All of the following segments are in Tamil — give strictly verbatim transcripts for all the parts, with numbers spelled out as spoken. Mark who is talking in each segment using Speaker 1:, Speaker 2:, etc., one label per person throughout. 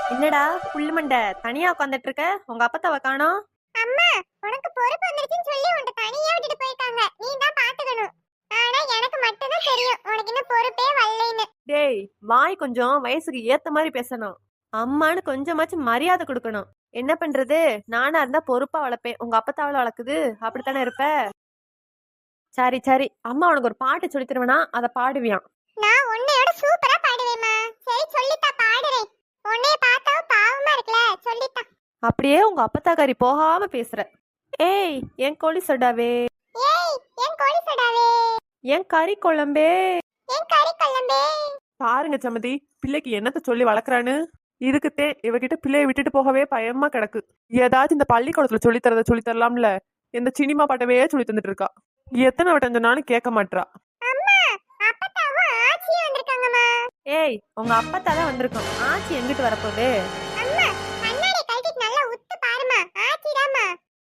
Speaker 1: என்னடா புல்லு மண்டை தனியா உட்காந்துட்டு இருக்க? உங்க அப்பத்தாவ காணோம்.
Speaker 2: அம்மா, உனக்கு பொறுப்பு வந்துருச்சுன்னு சொல்லி உன்னை தனியா விட்டுட்டு போயிட்டாங்க. நீ தான் பாத்துக்கணும். ஆனா எனக்கு மட்டும் தான் தெரியும் உனக்கு இன்னும் பொறுப்பே வரலைன்னு.
Speaker 1: டேய், வாய் கொஞ்சம் வயசுக்கு ஏத்த மாதிரி பேசணும். அம்மான்னு கொஞ்சமாச்சும் மரியாதை கொடுக்கணும். என்ன பண்றது? நானா இருந்தா பொறுப்பா வளர்ப்பேன். உங்க அப்பத்தாவள வளர்க்குது அப்படித்தானே இருப்ப. சரி சரி, அம்மா உனக்கு ஒரு பாட்டு சொல்லி தருவேனா, அதை பாடுவியான்.
Speaker 2: நான் உன்னையோட சூப்பரா பாடுவேம்மா. சரி சொல்லித்தா, பாடுறேன். உன்னைய பார்த்தா பாவமா இருக்குல, சொல்லித்தா.
Speaker 1: அப்படியே உங்க அப்பத்தாக்காரி போகாம பேசுற. ஏய் என் கோழி சொடாவே,
Speaker 2: ஏய் என் கோழி சடாவே,
Speaker 1: என் கறி குழம்பே.
Speaker 2: என் கறி கொள்ளம்பே.
Speaker 3: பாருங்க சமதி, பிள்ளைக்கு என்னத்த சொல்லி வளர்க்குறான்னு. இதுக்குத்தே இவகிட்ட பிள்ளைய விட்டுட்டு போகவே பயமா கிடக்கு. ஏதாச்சும் இந்த பள்ளிக்கூடத்துல சொல்லி தரத சொல்லி தரலாம்ல. இந்த சினிமா பாட்டவே சொல்லி தந்துட்டு இருக்கா. எத்தனை வட்டம் சொன்னாலும் கேட்க மாட்றா.
Speaker 2: அம்மா, அப்பத்தாவும் ஆச்சியும் வந்திருக்காங்கம்மா.
Speaker 1: ஏய் உங்க அப்பத்தா தான் வந்திருக்கோம். ஆச்சி எங்கிட்டு வரப்போகுது?
Speaker 2: அம்மா, கண்ணாடி கழட்டிட்டு நல்லா உத்து பாருமா. ஆச்சிடாமா.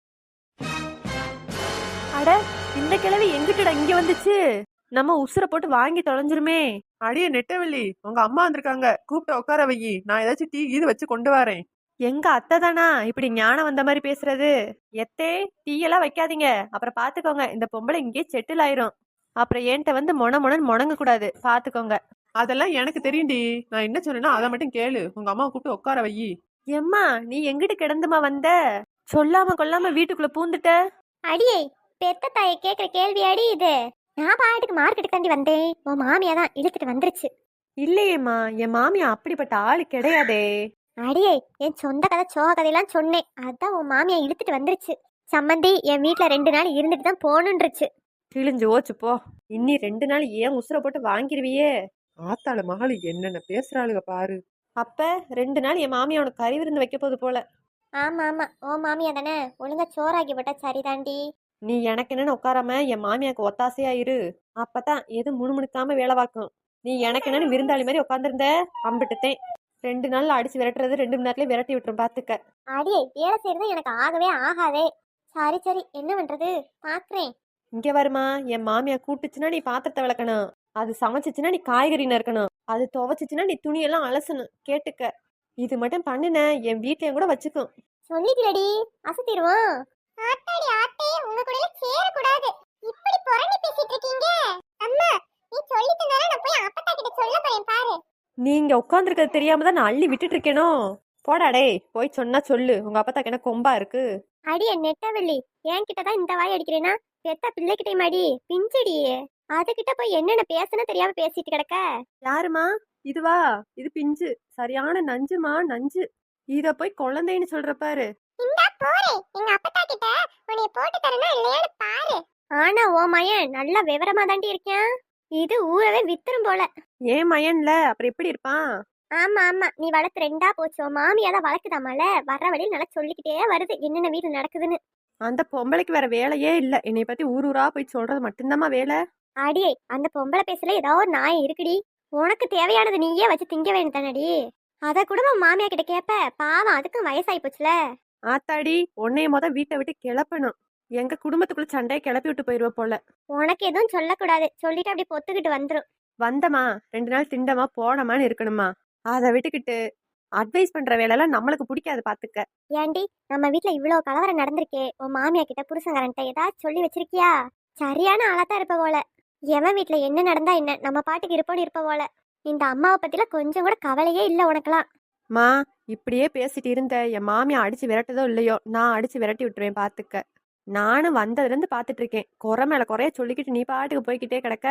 Speaker 1: அட, இந்த கிழவி எங்கிட்டடா இங்க வந்துச்சு? நம்ம உசுரை போட்டு வாங்கி தொலைஞ்சிருமே.
Speaker 3: அடியே நெட்டவள்ளி, உங்க அம்மா வந்திருக்காங்க, கூப்பிட்டு உட்கார வையி. நான் ஏதாச்சும் டீ இது வச்சு கொண்டு வரேன்.
Speaker 1: எங்க அத்தை தானா இப்படி ஞானம் வந்த மாதிரி பேசுறது? எத்தே, டீ எல்லாம் வைக்காதீங்க. அப்புறம் பாத்துக்கோங்க, இந்த பொம்பளை இங்கேயே செட்டில் ஆயிரும். அப்புறம் என்கிட்ட வந்து மொன மொனன்னு முணங்க கூடாது, பாத்துக்கோங்க.
Speaker 3: அதெல்லாம் எனக்கு தெரியும்டி. நான் என்ன சொன்னேன்னா அதை மட்டும் கேளு. உங்க அம்மா கூப்பிட்டு உட்கார வையி.
Speaker 1: எம்மா, நீ எங்கிட்டு கிடந்துமா வந்த? சொல்லாம கொல்லாம வீட்டுக்குள்ள பூந்துட்ட.
Speaker 2: அடியே, பெத்த தாயை கேக்குற கேள்வி அடி இது. நான் பாட்டுக்கு மார்க்கெட்டுக்கு தாண்டி வந்தேன். உன் மாமியா தான் இழுத்துட்டு வந்துருச்சு.
Speaker 1: இல்லையேம்மா, என் மாமியா அப்படிப்பட்ட ஆளு கிடையாதே.
Speaker 2: அடியே, என் சொந்த கதை சோக கதையெல்லாம் சொன்னேன். அதான் உன் மாமியா இழுத்துட்டு வந்துருச்சு. சம்மந்தி என் வீட்டுல ரெண்டு நாள் இருந்துட்டு தான் போகணுன்றுச்சு.
Speaker 1: கிழிஞ்சு ஓச்சு போ. இன்னி ரெண்டு நாள் ஏன் உசுரை போட்டு வாங்கிருவியே.
Speaker 3: ஆத்தாள மகளு என்னென்ன பேசுறாளுக பாரு.
Speaker 1: அப்ப ரெண்டு நாள் என் மாமியா உனக்கு கறி விருந்து வைக்க போகுது போல.
Speaker 2: ஆமா ஆமா, உன் மாமியா தானே ஒழுங்கா சோறாக்கி போட்டா சரிதாண்டி.
Speaker 1: நீ எனக்கு என்னன்னு உட்காராம என் மாமியாக்கு ஒத்தாசையா இரு. அப்பதான் எது முணுமுணுக்காம வேலை பார்க்கும். நீ எனக்கு என்னன்னு விருந்தாளி மாதிரி உட்காந்துருந்த அம்பிட்டுத்தேன். ரெண்டு நாள்ல அடிச்சு விரட்டுறது ரெண்டு மணி நேரத்துல விரட்டி விட்டுரும், பாத்துக்க.
Speaker 2: அடியே, வேலை செய்யறது எனக்கு ஆகவே ஆகாதே. சரி சரி, என்ன பண்றது, பாக்குறேன்.
Speaker 1: இங்க வருமா, என் மாமியா கூட்டுச்சுன்னா நீ பாத்திரத்தை விளக்கணும். அது சமைச்சிச்சுன்னா நீ காய்கறி நறுக்கணும். அது துவைச்சிச்சுன்னா நீ துணியெல்லாம் அலசணும், கேட்டுக்க. இது மட்டும் பண்ணுன என் வீட்லயும் கூட வச்சுக்கும்.
Speaker 2: சொல்லிக்கிறடி, அசத்திடுவோம். ஆத்தாடி ஆத்தே, உங்க கூட சேர கூடாது. இப்படி புரணி பேசிட்டு இருக்கீங்க. அம்மா, நீ சொல்லி தந்தால நான் போய் அப்பத்தா கிட்ட சொல்ல போறேன் பாரு.
Speaker 1: நீங்க உட்காந்துருக்கிறது தெரியாம தான் நான் அள்ளி விட்டுட்டு இருக்கேனோ. போடா டேய், போய் சொன்னா சொல்லு. உங்க அப்பத்தாக்கு என்ன கொம்பா இருக்கு?
Speaker 2: அடியே நெட்டவள்ளி, என்கிட்ட தான் இந்த வாய் அடிக்கிறேன்னா பெத்த பிள்ளைகிட்டே மாடி பிஞ்சடி. அதுகிட்ட போய் என்னென்ன பேசுன்னு தெரியாம பேசிட்டு கிடக்க.
Speaker 1: யாருமா இதுவா? இது பிஞ்சு, சரியான நஞ்சுமா நஞ்சு. இத போய் குழந்தைன்னு சொல்ற பாரு.
Speaker 2: இந்தா போறேன், எங்க அப்பத்தா கிட்ட உன்னைய போட்டு தரனா இல்லையான்னு பாரு. ஆனா ஓ மயன் நல்ல விவரமா தாண்டி இருக்கேன். இது ஊரவே வித்துரும் போல.
Speaker 1: ஏன் மயன்ல அப்புறம் எப்படி இருப்பான்?
Speaker 2: ஆமா ஆமா, நீ வளர்த்து ரெண்டா போச்சோ. மாமியா தான் வளர்க்குதாமால, வர்ற வழியில் நல்லா சொல்லிக்கிட்டே வருது என்னென்ன வீட்டுல நடக்குதுன்னு.
Speaker 1: அந்த பொம்பளைக்கு வேற வேலையே இல்ல. என்னை பத்தி ஊர் ஊரா போய் சொல்றது மட்டும்தாம்மா வேலை.
Speaker 2: அடியே, அந்த பொம்பளை பேசல ஏதோ ஒரு நாய் இருக்குடி. உனக்கு தேவையானது நீயே வச்சு திங்க வேண்டியதானடி. அத கூட உன் மாமியா கிட்ட கேப்ப. பாவம், அதுக்கும் வயசாகி போச்சுல.
Speaker 1: ஆத்தாடி, உன்னைய மொத வீட்டை விட்டு கிளப்பணும். எங்க குடும்பத்துக்குள்ள சண்டையை கிளப்பி விட்டு போயிருவ போல.
Speaker 2: உனக்கு எதுவும் சொல்லக்கூடாது, சொல்லிட்டு அப்படி பொத்துக்கிட்டு வந்துரும்.
Speaker 1: வந்தமா ரெண்டு நாள் திண்டமா போனமான்னு இருக்கணுமா? அதை விட்டுக்கிட்டு அட்வைஸ் பண்ற வேலையெல்லாம் நம்மளுக்கு பிடிக்காது, பாத்துக்க.
Speaker 2: ஏண்டி, நம்ம வீட்ல இவ்வளவு கலவரம் நடந்திருக்கே. உன் மாமியா கிட்ட புருஷங்காரன்ட்ட ஏதாவது சொல்லி வச்சிருக்கியா? சரியான ஆளாத்தான் இருப்ப போல. எவன் வீட்ல என்ன நடந்தா என்ன, நம்ம பாட்டுக்கு இருப்போன்னு இருப்ப போல. இந்த அம்மாவை பத்தில கொஞ்சம் கூட கவலையே இல்ல உனக்கெல்லாம்.
Speaker 1: மா, இப்படியே பேசிட்டு இருந்த என் மாமியா அடிச்சு விரட்டதோ இல்லையோ, நான் அடிச்சு விரட்டி விட்டுருவேன், பாத்துக்க. நானும் வந்ததுல இருந்து பாத்துட்டு இருக்கேன். குறை மேல குறைய சொல்லிக்கிட்டு நீ பாட்டுக்கு போய்கிட்டே கிடக்க.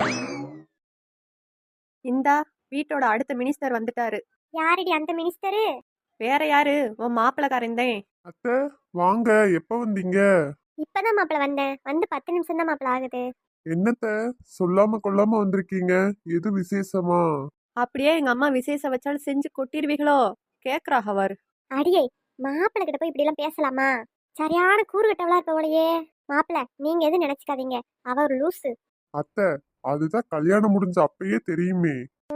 Speaker 1: இந்தா வீட்டோட அடுத்த மினிஸ்டர் வந்துட்டாரு.
Speaker 2: யாரடி அந்த மினிஸ்டரு?
Speaker 1: வேற யாரு, உன் மாப்பிளக்காரந்தேன்.
Speaker 4: அத்தை, வாங்க. எப்ப வந்தீங்க?
Speaker 2: இப்பதான் மாப்பிள வந்தேன். வந்து பத்து நிமிஷம் தான் மாப்பிள ஆகுது.
Speaker 4: என்னத்த சொல்லாம கொள்ளாம வந்திருக்கீங்க? எது விசேஷமா?
Speaker 1: அப்படியே எங்க அம்மா விசேஷம் வச்சாலும் செஞ்சு கொட்டிருவீங்களோ கேக்குறாக அவர்.
Speaker 2: அடியே, மாப்பிள கிட்ட போய் இப்படி எல்லாம் பேசலாமா? சரியான கூறு கட்டவளா இருக்க போலயே. மாப்பிள, நீங்க எதுவும் நினைச்சுக்காதீங்க, அவ ஒரு லூசு.
Speaker 4: அத்தை, அதுதான் கல்யாணம் முடிஞ்ச அப்பயே தெரியுமே.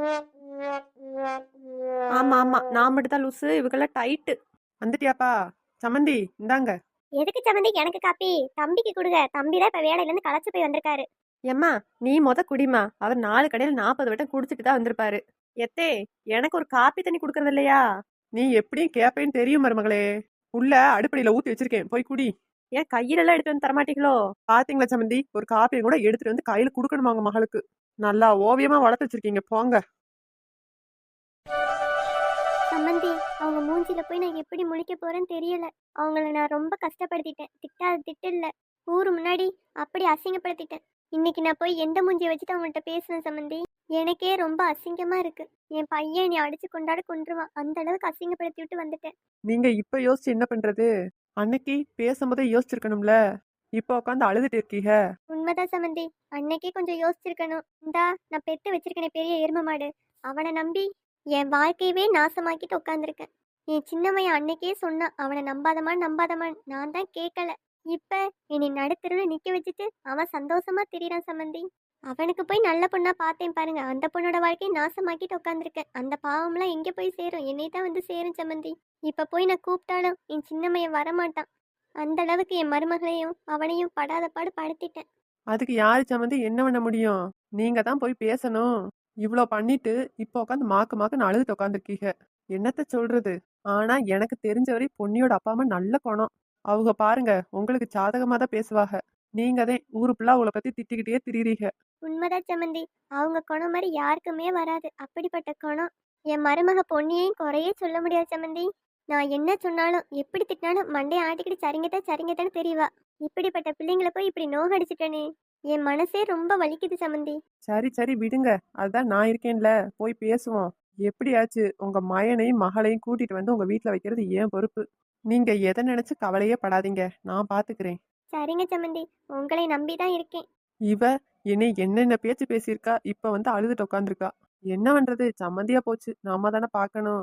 Speaker 1: ஆமா ஆமா, நான் மட்டும் தான் லூசு, இவங்கெல்லாம் டைட்டு.
Speaker 3: வந்துட்டியாப்பா? சம்மந்தி இந்தாங்க.
Speaker 2: எதுக்கு சம்மந்தி எனக்கு காப்பி? தம்பிக்கு கொடுங்க, தம்பி தான் இப்ப வேலையில இருந்து களைச்சு போய் வந்திருக்காரு.
Speaker 1: ஏம்மா, நீ மொத குடிமா. அவர் நாலு கடையில் நாற்பது வட்டம் குடிச்சிட்டு தான் வந்திருப்பாரு. எத்தே, எனக்கு ஒரு காப்பி தண்ணி குடுக்கறது இல்லையா?
Speaker 3: நீ எப்படியும் கேப்பேன்னு தெரியும் மருமகளே. உள்ள அடுப்படியில ஊத்தி வச்சிருக்கேன், போய் குடி.
Speaker 1: ஏன் கையிலெல்லாம் எடுத்து வந்து தரமாட்டீங்களோ?
Speaker 3: பாத்தீங்களா சம்மந்தி, ஒரு காப்பியும் கூட எடுத்துட்டு வந்து கையில குடுக்கணுமா உங்க மகளுக்கு? நல்லா ஓவியமா வளர்த்து வச்சிருக்கீங்க போங்க.
Speaker 2: சம்மந்தி, அவங்க மூஞ்சில போய் நான் எப்படி முழிக்க போறேன்னு தெரியல. அவங்கள நான் ரொம்ப கஷ்டப்படுத்திட்டேன். திட்டாத திட்டு இல்ல, ஊரு முன்னாடி அப்படி அசிங்கப்படுத்திட்டேன். இன்னைக்கு நான் போய் எந்த மூஞ்சியை வச்சுட்டு அவங்கள்ட்ட பேசுவேன் சம்மந்தி? எனக்கே ரொம்ப அசிங்கமா இருக்கு. என் பையன் நீ அடிச்சு கொண்டாட கொன்றுவான், அந்த அளவுக்கு அசிங்கப்படுத்தி விட்டு வந்துட்டேன்.
Speaker 3: நீங்க இப்ப யோசிச்சு என்ன பண்றது? அன்னைக்கு பேசும்போதே யோசிச்சிருக்கணும்ல. இப்ப உட்காந்து அழுதுட்டு இருக்கீங்க.
Speaker 2: உண்மைதான் சம்மந்தி, அன்னைக்கே கொஞ்சம் யோசிச்சிருக்கணும். இந்தா நான் பெத்து வச்சிருக்கேனே பெரிய எரும மாடு, அவனை நம்பி என் வாழ்க்கையவே நாசமாக்கிட்டு உட்காந்துருக்கேன். என் சின்னமையன் அன்னைக்கே சொன்னான் அவனை நம்பாதமான் நம்பாதமான், நான் தான் கேட்கல. இப்ப என்னை நடுத்தருவில் நிக்க வச்சுட்டு அவன் சந்தோஷமா திரியறான் சம்மந்தி. அவனுக்கு போய் நல்ல பொண்ணா பார்த்தேன் பாருங்க, அந்த பொண்ணோட வாழ்க்கையை நாசமாக்கிட்டு உட்காந்துருக்கேன். அந்த பாவம்லாம் எங்கே போய் சேரும்? என்னை தான் வந்து சேரும் சம்மந்தி. இப்ப போய் நான் கூப்பிட்டாலும் என் சின்னமையன் வரமாட்டான். அந்த அளவுக்கு என் மருமகளையும் அவனையும் படாத பாடு படுத்திட்டேன்.
Speaker 3: அதுக்கு யாரு சம்மந்தி என்ன பண்ண முடியும்? நீங்க தான் போய் பேசணும். இவ்ளோ பண்ணிட்டு இப்ப உட்காந்து மாக்கு மாக்குன்னு அழுதுட்டு உட்காந்துருக்கீங்க. என்னத்த சொல்றது? ஆனா எனக்கு தெரிஞ்ச வரை பொன்னியோட அப்பா அம்மா நல்ல குணம். அவங்க பாருங்க உங்களுக்கு சாதகமா தான் பேசுவாங்க. நீங்க தான் ஊரு ஃபுல்லா அவங்கள பத்தி திட்டிக்கிட்டே திரியுறீங்க.
Speaker 2: உண்மைதான் சம்மந்தி, அவங்க குணம் மாதிரி யாருக்குமே வராது. அப்படிப்பட்ட குணம். என் மருமக பொன்னியையும் குறையே சொல்ல முடியாது சம்மந்தி. நான் என்ன சொன்னாலும் எப்படி திட்டினாலும் மண்டையை ஆட்டிக்கிட்டு சரிங்கத்தான் சரிங்கத்தான்னு தெரியவா. இப்படிப்பட்ட பிள்ளைங்களை போய் இப்படி நோகடிச்சிட்டனே, என் மனசே ரொம்ப வலிக்குது சம்மந்தி.
Speaker 3: சரி சரி விடுங்க, அதுதான் நான் இருக்கேன்ல, போய் பேசுவோம். எப்படியாச்சு உங்க மயனையும் மகளையும் கூட்டிட்டு வந்து உங்க வீட்டுல வைக்கிறது ஏன் பொறுப்பு. நீங்க எதை நினைச்சு கவலையே படாதீங்க, நான் பாத்துக்கிறேன்.
Speaker 2: சரிங்க சம்மந்தி, உங்களை நம்பிதான் இருக்கேன்.
Speaker 3: இவ என்னை என்னென்ன பேச்சு பேசியிருக்கா, இப்ப வந்து அழுதுட்டு உட்காந்துருக்கா. என்ன பண்றது, சம்மந்தியா போச்சு, நாம தானே பார்க்கணும்.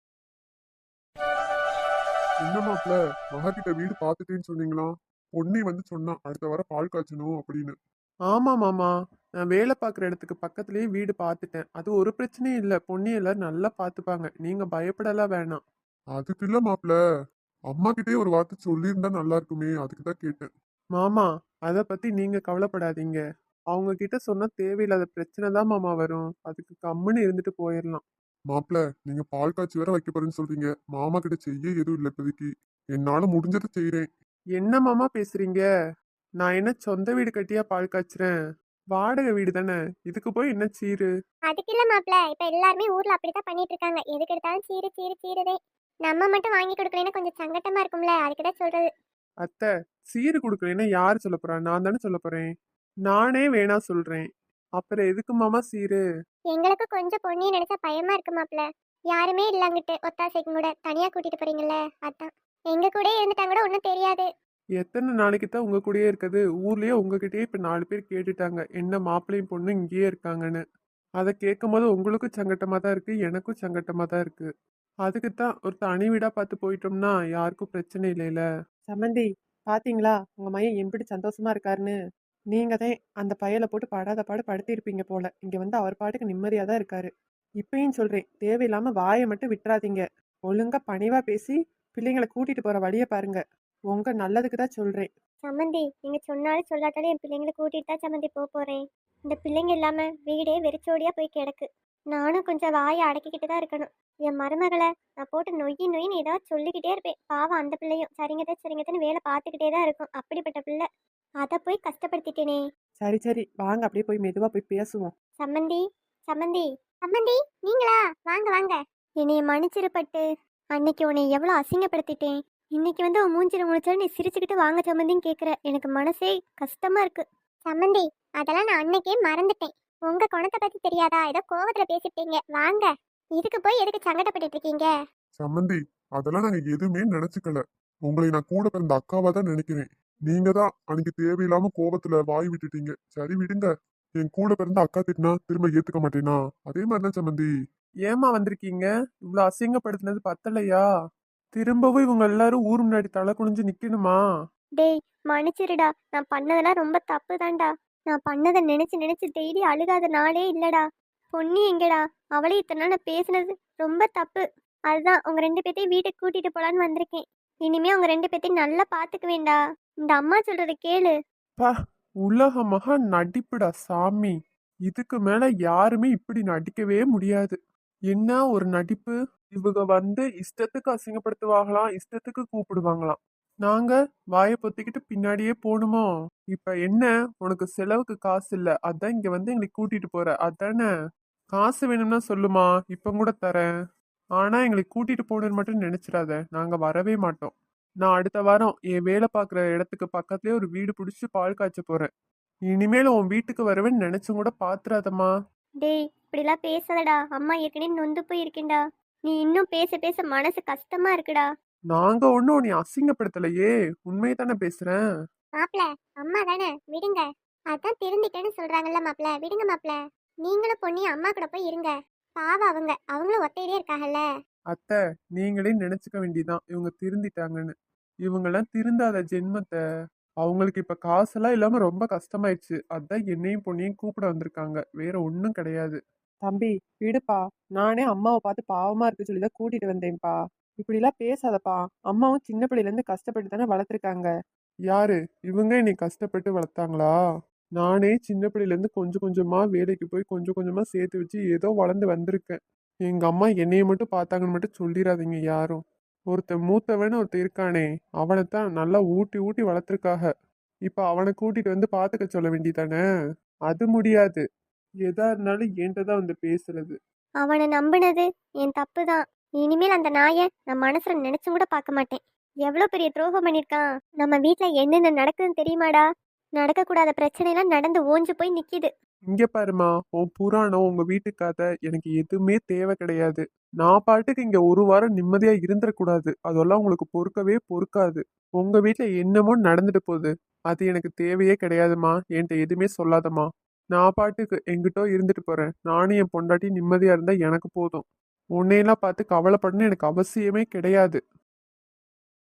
Speaker 4: என்ன மாப்ள, மகா வீடு பார்த்துட்டேன்னு சொன்னீங்களா? பொன்னி வந்து சொன்னா அடுத்த வாரம் பால் காய்ச்சணும் அப்படின்னு.
Speaker 3: ஆமா மாமா, நான் வேலை பார்க்குற இடத்துக்கு பக்கத்துலயே வீடு பார்த்துட்டேன். அது ஒரு பிரச்சனையும் இல்லை, பொண்ணு எல்லாரும் நல்லா பார்த்துப்பாங்க, நீங்க பயப்படலாம் வேணாம்.
Speaker 4: அதுக்கு இல்ல மாப்ள, அம்மா கிட்டே ஒரு வார்த்தை சொல்லியிருந்தா நல்லா இருக்குமே, அதுக்கு தான் கேட்டேன்.
Speaker 3: மாமா, அதை பத்தி நீங்க கவலைப்படாதீங்க. அவங்க கிட்ட சொன்னா தேவையில்லாத பிரச்சனை தான் மாமா வரும். அதுக்கு கம்முன்னு இருந்துட்டு போயிடலாம்.
Speaker 4: மாப்ள, நீங்க பால் காய்ச்சி வேற வைக்க போறேன்னு சொல்றீங்க. மாமா கிட்ட செய்ய எதுவும் இல்லை இப்போதைக்கு. என்னால முடிஞ்சதை செய்யறேன்.
Speaker 3: என்ன மாமா பேசுறீங்க? நான் என்ன சொந்த வீடு கட்டியா பால் காய்ச்சுறேன்? வாடகை வீடு தானே, இதுக்கு போய் என்ன சீரு?
Speaker 2: அதுக்கு இல்ல மாப்ள, இப்ப எல்லாருமே ஊர்ல அப்படித்தான் பண்ணிட்டு இருக்காங்க. எதுக்கு எடுத்தாலும் சீரு சீரு சீருதே. நம்ம மட்டும் வாங்கி கொடுக்கலன்னா கொஞ்சம் சங்கட்டமா இருக்கும்ல, அதுக்குதான் சொல்றது.
Speaker 3: அத்தை, சீரு கொடுக்கலன்னா யாரு சொல்ல போறா? நான் தானே சொல்ல போறேன். நானே வேணா சொல்றேன், அப்புறம் எதுக்கு மாமா சீரு?
Speaker 2: எங்களுக்கு கொஞ்சம் பொண்ணியை நினைச்சா பயமா இருக்கு மாப்ள. யாருமே இல்லங்கிட்டு ஒத்தாசைக்கு கூட தனியா கூட்டிட்டு போறீங்கல்ல, அதான். எங்க கூட இருந்துட்டா கூட ஒன்றும் தெரியாது.
Speaker 3: எத்தனை நாளைக்கு தான் உங்க கூடயே இருக்குது? ஊர்லயே உங்ககிட்டயே இப்ப நாலு பேர் கேட்டுட்டாங்க என்ன மாப்பிள்ளையும் பொண்ணு இங்கேயே இருக்காங்கன்னு. அதை கேட்கும் போது உங்களுக்கும் சங்கட்டமா தான் இருக்கு, எனக்கும் சங்கட்டமா தான் இருக்கு. அதுக்கு தான் ஒரு தனி வீடா பார்த்து போயிட்டோம்னா யாருக்கும் பிரச்சனை இல்லைல. சம்மந்தி, பாத்தீங்களா உங்க மையம் எப்படி சந்தோஷமா இருக்காருன்னு? நீங்க தான் அந்த பையலை போட்டு படாத பாடு படுத்திருப்பீங்க போல. இங்க வந்து அவர் பாட்டுக்கு நிம்மதியா தான் இருக்காரு. இப்பயும் சொல்றேன், தேவையில்லாம வாயை மட்டும் விட்டுறாதீங்க. ஒழுங்கா பணிவா பேசி பிள்ளைங்களை கூட்டிட்டு போற வழியை பாருங்க. உங்க நல்லதுக்கு தான் சொல்றேன்.
Speaker 2: சம்மந்தி, நீங்க சொன்னாலும் சொல்லாட்டாலும் என் பிள்ளைங்களை கூட்டிட்டு தான் சம்மந்தி போக போறேன். இந்த பிள்ளைங்க இல்லாம வீடே வெறிச்சோடியா போய் கிடக்கு. நானும் கொஞ்சம் வாயை அடக்கிக்கிட்டு தான் இருக்கணும். என் மருமகளை நான் போட்டு நொய்யி நொய்யின்னு ஏதாவது சொல்லிக்கிட்டே இருப்பேன். பாவம் அந்த பிள்ளையும் சரிங்கதான் சரிங்கதான்னு வேலை பார்த்துக்கிட்டே தான் இருக்கும். அப்படிப்பட்ட பிள்ளை, அதை போய் கஷ்டப்படுத்திட்டேனே.
Speaker 3: சரி சரி வாங்க, அப்படியே போய் மெதுவா போய் பேசுவோம்.
Speaker 2: சம்மந்தி, சம்மந்தி, சம்மந்தி, நீங்களா? வாங்க வாங்க. என்னைய மன்னிச்சிருப்பட்டு, அன்னைக்கு உன்னை எவ்வளோ அசிங்கப்படுத்திட்டேன். இன்னைக்கு வந்து உன் மூஞ்சில முடிச்சாலும் நீ சிரிச்சுக்கிட்டு வாங்க சம்மந்தின்னு கேட்குற. எனக்கு மனசே கஷ்டமா இருக்கு. சம்மந்தி, அதெல்லாம் நான் அன்னைக்கே மறந்துட்டேன். உங்க குணத்தை பத்தி தெரியாதா? ஏதோ கோவத்துல பேசிட்டீங்க. வாங்க, இதுக்கு போய் எதுக்கு சங்கடப்பட்டு இருக்கீங்க?
Speaker 4: சம்மந்தி, அதெல்லாம் நாங்க எதுவுமே நினைச்சுக்கல. உங்களை நான் கூட பிறந்த அக்காவா தான் நினைக்கிறேன். நீங்க தான் அன்னைக்கு தேவையில்லாம கோபத்துல வாய் விட்டுட்டீங்க. சரி விடுங்க. என் கூட பிறந்த அக்கா திட்டினா திரும்ப ஏத்துக்க மாட்டேனா? அதே மாதிரிதான் சம்மந்தி.
Speaker 3: ஏமா வந்திருக்கீங்க? இவ்வளவு அசிங்கப்படுத்தினது பத்தலையா? திரும்பவும் இவங்க எல்லாரும் ஊர் முன்னாடி தலை குனிஞ்சு நிக்கணுமா?
Speaker 2: டேய், மன்னிச்சிருடா. நான் பண்ணதெல்லாம் ரொம்ப தப்பு தான்டா. நான் பண்ணதை நினைச்சு நினைச்சு டெய்லி அழுகாத நாளே இல்லடா. பொன்னி எங்கடா? அவளே இத்தனை நாள் நான் பேசுனது ரொம்ப தப்பு. அதுதான் உங்க ரெண்டு பேத்தையும் வீட்டுக்கு கூட்டிட்டு போலான்னு வந்திருக்கேன். இனிமே உங்க ரெண்டு பேத்தையும் நல்லா பாத்துக்க வேண்டா. இந்த அம்மா சொல்றத கேளு.
Speaker 3: பா, உலக மகா நடிப்புடா சாமி. இதுக்கு மேல யாருமே இப்படி நடிக்கவே முடியாது. என்ன ஒரு நடிப்பு! இவங்க வந்து இஷ்டத்துக்கு அசிங்கப்படுத்துவாங்களாம், இஷ்டத்துக்கு கூப்பிடுவாங்களாம். நாங்க வாயை பொத்திக்கிட்டு பின்னாடியே போணுமோ? இப்ப என்ன, உனக்கு செலவுக்கு காசு இல்ல, அதான் இங்க வந்து எங்களை கூட்டிட்டு போற, அதானே? காசு வேணும்னா சொல்லுமா, இப்ப கூட தரேன். ஆனா எங்களை கூட்டிட்டு போகணும்னு மட்டும் நினைச்சிடாத, நாங்க வரவே மாட்டோம். நான் அடுத்த வாரம் என் வேலை பார்க்குற இடத்துக்கு பக்கத்துலயே ஒரு வீடு பிடிச்சி பால் காய்ச்ச போறேன். இனிமேல் உன் வீட்டுக்கு வருவேன்னு நினைச்சும் கூட பாத்துறாதம்மா.
Speaker 2: டேய் இப்படிலாம் பேசாதடா, அம்மா ஏற்கனவே நொந்து போய் இருக்கேன்டா. நீ இன்னும் பேச பேச மனசு கஷ்டமா இருக்குடா.
Speaker 3: நாங்க ஒன்னும் நீ அசிங்கப்படுத்தலையே, உண்மையை தானே பேசுறேன்.
Speaker 2: மாப்ள, அம்மா தானே, விடுங்க. அதான் திருந்திட்டேன்னு சொல்றாங்கல்ல மாப்ள, விடுங்க மாப்ள. நீங்களும் பொண்ணி அம்மா கூட போய் இருங்க. பாவம் அவங்க, அவங்களும் ஒத்தையிலே இருக்காங்கல்ல.
Speaker 3: அத்தை, நீங்களே நினைச்சுக்க வேண்டியதான் இவங்க திருந்திட்டாங்கன்னு. இவங்கெல்லாம் திருந்தாத ஜென்மத்தை. அவங்களுக்கு இப்ப காசெல்லாம் இல்லாம ரொம்ப கஷ்டமாயிடுச்சு, அதான் என்னையும் பொண்ணையும் கூப்பிட வந்திருக்காங்க, வேற ஒன்றும் கிடையாது. தம்பி விடுப்பா, நானே அம்மாவை பார்த்து பாவமா இருக்கு சொல்லிதான் கூட்டிட்டு வந்தேன்ப்பா. இப்படிலாம் பேசாதப்பா, அம்மாவும் சின்ன பிள்ளையில இருந்து கஷ்டப்பட்டு தானே வளர்த்துருக்காங்க. யாரு இவங்க என்னை கஷ்டப்பட்டு வளர்த்தாங்களா? நானே சின்ன பிள்ளையில இருந்து கொஞ்சம் கொஞ்சமா வேலைக்கு போய் கொஞ்சம் கொஞ்சமா சேர்த்து வச்சு ஏதோ வளர்ந்து வந்திருக்கேன். எங்க அம்மா என்னைய மட்டும் பார்த்தாங்கன்னு மட்டும் சொல்லிடாதீங்க யாரும். ஒருத்தன் மூத்தவன்னு ஒருத்தன் இருக்கானே, அவனைத்தான் நல்லா ஊட்டி ஊட்டி வளர்த்துருக்காக. இப்ப அவனை கூட்டிட்டு வந்து பாத்துக்க சொல்ல வேண்டியதானே? அது முடியாது. எதா இருந்தாலும் என்கிட்ட தான் வந்து பேசுறது.
Speaker 2: அவனை நம்பினது என் தப்பு தான். இனிமேல் அந்த நாயை நான் மனசுல நினைச்சும் கூட பார்க்க மாட்டேன். எவ்வளவு பெரிய துரோகம் பண்ணிருக்கான். நம்ம வீட்ல என்னென்ன நடக்குதுன்னு தெரியுமாடா? நடக்கக்கூடாத பிரச்சனை எல்லாம் நடந்து ஓஞ்சு போய் நிக்குது.
Speaker 3: இங்க பாருமா, உன் புராணம் உங்க வீட்டு கதை எனக்கு எதுவுமே தேவை கிடையாது. நான் பாட்டுக்கு இங்க ஒரு வாரம் நிம்மதியா இருந்துடக்கூடாது, அதெல்லாம் உங்களுக்கு பொறுக்கவே பொறுக்காது. உங்க வீட்ல என்னமோ நடந்துட்டு போகுது, அது எனக்கு தேவையே கிடையாதுமா. என்கிட்ட எதுவுமே சொல்லாதம்மா. நான் பாட்டுக்கு எங்கிட்டோ இருந்துட்டு போறேன். நானும் என் பொண்டாட்டி நிம்மதியா இருந்தா எனக்கு போதும். உன்னையெல்லாம் பார்த்து கவலைப்படணும்னு எனக்கு அவசியமே கிடையாது.